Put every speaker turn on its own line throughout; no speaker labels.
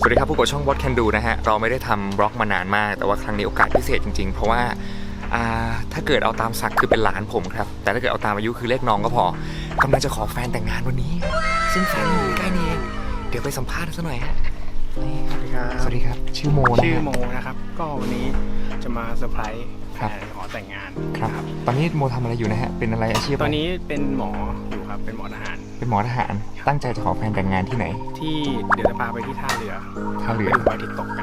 วัสดีครับผู้กดช่อง What Can Do นะฮะเราไม่ได้ทำบล็อกมานานมากแต่ว่าครั้งนี้โอกาสพิเศษจริงๆเพราะว่าถ้าเกิดเอาตามศักดิ์คือเป็นหลานผมครับแต่ถ้าเกิดเอาตามอายุคือเลขน้องก็พอกำลังจะขอแฟนแต่งงานวันนี้ซึ่งแฟนอยู่ใกล้นี่เองเดี๋ยวไปสัมภาษณ์ซะหน่อยฮะ
สวัสดีครับ
สวัสดีครับชื่อโมนะ
ชื่อโมนะครับก็วันนี้จะมาเซอร์ไพรส์แฟนขอแต่งงาน
ครับตอนนี้โมทำอะไรอยู่นะฮะเป็นอะไรอาชีพ
ตอนนี้เป็นหมออยู่ครับเป็นหมอทหาร
เป็นหมอทหารตั้งใจจะขอแฟนแต่งงานที่ไหน
ที่เดี๋ยวจะพาไปที่ท่าเรือไปดูพระอาทิตย์ตกกัน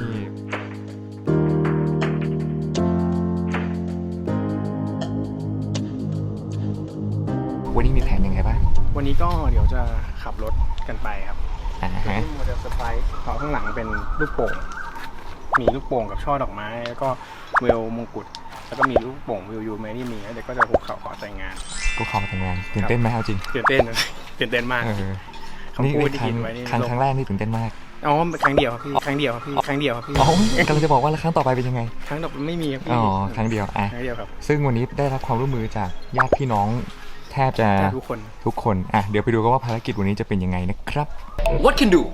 วันนี้มีแผนยังไงบ้าง
วันนี้ก็เดี๋ยวจะขับรถกันไปครับ
ฮะ
โมเดลเซอร์ไพรส์ข้างหลังเป็นลูกโป่งมีลูกโป่งกับช่อดอกไม้แล้วก็เวลมงกุฎแล้วก็มีลูกโป่งวิวยูแมรี่มีแล้วเดี๋ยวก็จะคุกเข่าขอแต่งงาน
กูขอแต่งงานตื่นเต้นไหมเอาจริง
ตื่นเต้นมาก
นี่ครั้งแรกนี่ตื่นเต้นมาก
อ๋อครั้งเดียวครับพี่ครั้งเดียวครับพี่
อ๋อกำลังจะบอกว่าแล้วครั้งต่อไปเป็นยังไง
ครั้งต่อไปไม่มีครับพี่
อ๋อครั้งเดียว
ครับ
ซึ่งวันนี้ได้รับความร่วมมือจากญาติพี่น้องแทบจะทุกคนเดี๋ยวไปดูกันว่าภารกิจวันนี้จะเป็นยังไงนะครับ What Can Do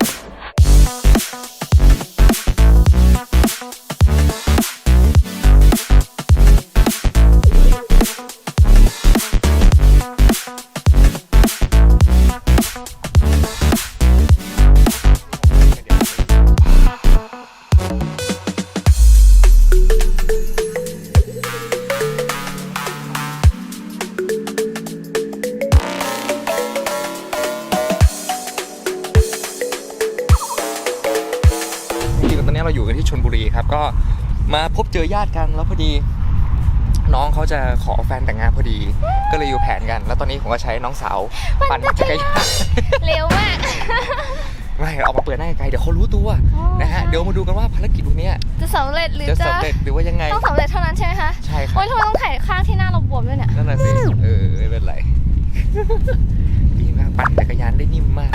ตอนนี้เราอยู่กันที่ชลบุรีครับก็มาพบเจอญาติกันแล้วพอดีน้องเขาจะขอแฟนแต่งงานพอดีก็เลยอยู่แผนกันแล้วตอนนี้ผมก็ใช้น้องสาวปั่นจักรยาน
เร็วมาก
ไม่เอามาเปิดหน้าไกลเดี๋ยวเขารู้ตัวนะฮะเดี๋ยวมาดูกันว่าภารกิจวันนี้
จะสำเร็จหรือ
จะสำเร็จหรือว่ายังไง
ต้องสำเร็จเท่านั้นใช่ไหมคะ
ใช่ครับ
โอ้ยทำไมต้องถ่ายข้างที่หน้าเราบวมด้วยเนี่ย
นั่นแหละสิไม่เป็นไรดีมากปั่นจักรยานได้นิ่มมาก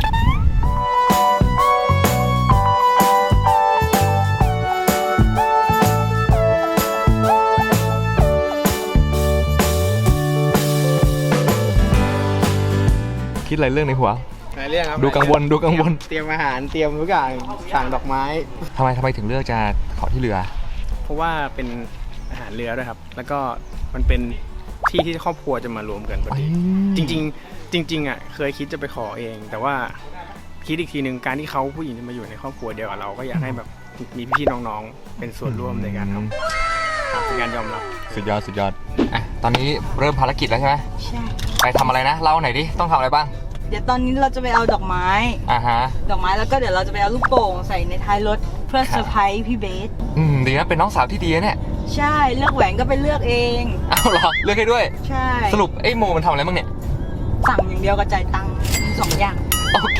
คิดอะไรเรื่องในหัว
หลายเรื่องครับ
ดูกังวล
เตรียมอาหารเตรียมทุกอย่างสั่งดอกไม้
ทำไมถึงเลือกจะขอที่เรือ
เพราะว่าเป็นอาหารเรือด้วยครับแล้วก็มันเป็นที่ที่ครอบครัวจะมารวมกันพอดีจริงอ่ะเคยคิดจะไปขอเองแต่ว่าคิดอีกทีหนึ่งการที่เขาผู้หญิงจะมาอยู่ในครอบครัวเดียวกับเราก็อยากให้แบบมีพี่น้องๆเป็นส่วนร่วมในการทำเป็นการยอมรับ
สุดยอดตอนนี้เริ่มภารกิจแล้วใช่ไหมใช่ไปทำอะไรนะเล่าหน่อยดิต้องทำอะไรบ้าง
เดี๋ยวตอนนี้เราจะไปเอาดอกไม้ดอกไม้แล้วก็เดี๋ยวเราจะไปเอาลูกโป่งใส่ในท้ายรถเพื่อเซอร์ไพรส์พี่เบส
ดีนะเป็นน้องสาวที่ดีเนี่ย
ใช่เลือกแหวนก็ไปเลือกเอง
เอาเหรอเลือกให้ด้วย
ใช่
สรุปไอ้โมมันทำอะไรบ้างเนี่ย
สั่งอย่างเดียวกับจ่ายตังค์2 อย่าง
โอเค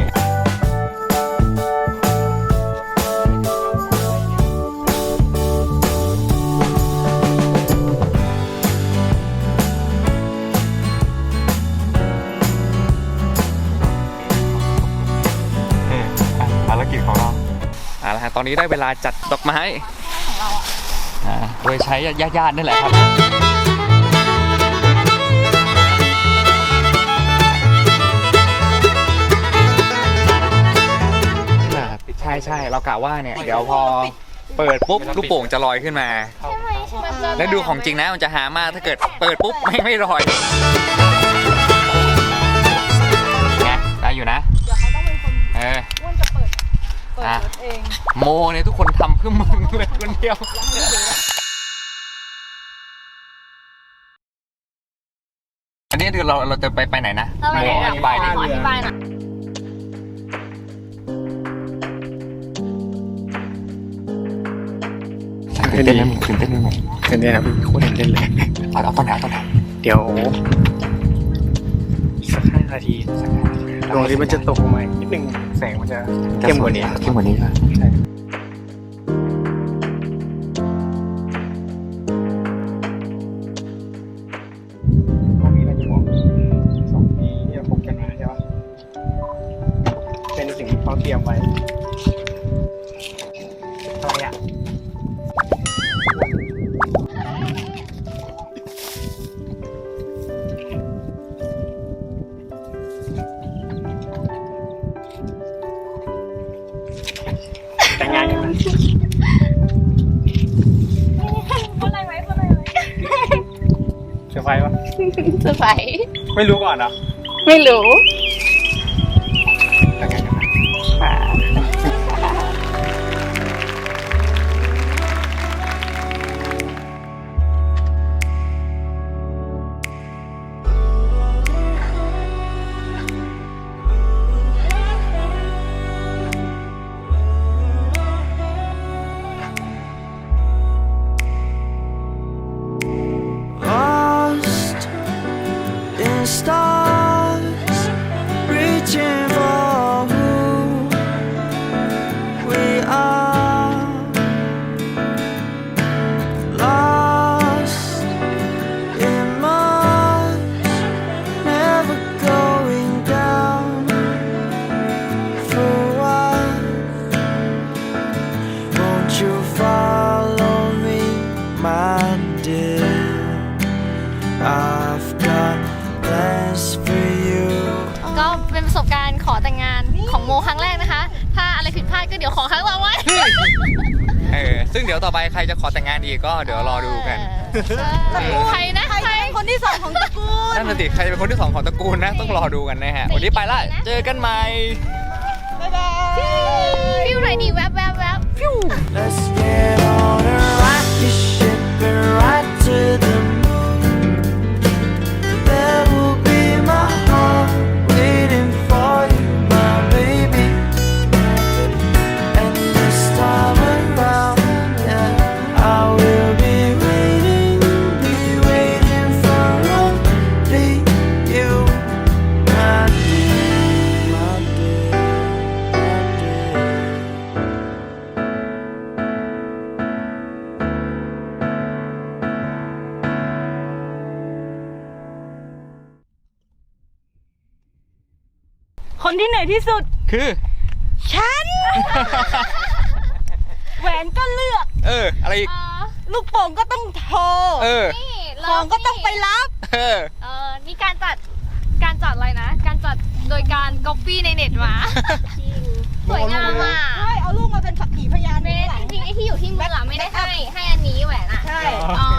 ภารกิจของเราแล้วฮะตอนนี้ได้เวลาจัดดอกไม้ของเราโดยใช้ญาตินั่นแหละครับใช่เรากะว่าเนี่ยเดี๋ยวพอเปิดปุ๊บลูกโป่งจะลอยขึ้นมาแล้วดูของจริงนะมันจะหามากถ้าเกิดเปิดปุ๊บไม่ลอยไงได้อยู่นะ
เดี๋ยวเขาต้องเป็นคนอ้วนจะเปิดรถเอง
โมเนี่ยทุกคนทำเพื่อมึงเลยคนเดียวอันนี้คือเราจะไปไหนนะ
โมอธิบายหน่อย
ตื่นเต้นไหมตื่นเต้นครับ
พี่โคตรตื่นเต้นเลย
เอาต้นไหน
เดี๋ยวสัก5 นาทีดวงอาทิตย์มันจะตกลงมานิดนึงแสงมันจะเข้มกว่านี้ใช่ตรงนี้เราจะมอง2ที่เราพบกันมาใช่ปะเป็นสิ่งที่เขาเตรียมไว้อะไรอ่ะแต่งงานกันไหม
พูดอะไรไว้พูดอะไรไว้
เซอร์ไพรส์ปะ
เซอร์ไพรส์
ไม่รู้ก่อนเหรอ
ไม่รู้
แต่งงานกันไหม
Lost in stars, reaching for who we are. Lost in Mars, never going down. For what? Won't you follow me, my dear? I've got plans for you.
ก็เป็นประสบการณ์ขอแต่งงานของโมครั้งแรกนะคะ ถ้าอะไรผิดพลาดก็เดี๋ยวขอครั้งต่อไป
ซึ่งเดี๋ยวต่อไปใครจะขอแต่งงานอีกก็เดี๋ยวรอดูกัน
ใครนะ
ใครเป็นคนที่สองของตระกูล
นั่นน่ะสิใครจะเป็นคนที่สองของตระกูลนะต้องรอดูกันนะฮะวันนี้ไปละเจอกันใหม่
บ๊ายบาย
ฟิวไหนดีแวบแวบแวบฟิว
Let's get on a rocket ship and ride to the moon. There will be my heart waiting for you, my baby. And this time around, yeah, I will be waiting for only you, my dear, my dear, my dear.
คนที่เหนื่อยที่สุด
คือ
ฉัน แหวนก็เลือก
อะไรอีก
ลูกโป่งก็ต้องโทร
นี่
ของก็ต้องไปรับ
นี่การจัดอะไรนะ การจัดโดยการก๊อปปี้ในเน็ตมาสวยงามอ่ะ
ใช่ เอาลูกมาเป็นสักขีพยาน
เบ
ข้าง
ส
หลัง
จริงๆไอ้ที่อยู่ที่มืออะไม่ได้ให้อันนี้แหวนอ่ะ
ใช่
อ๋อ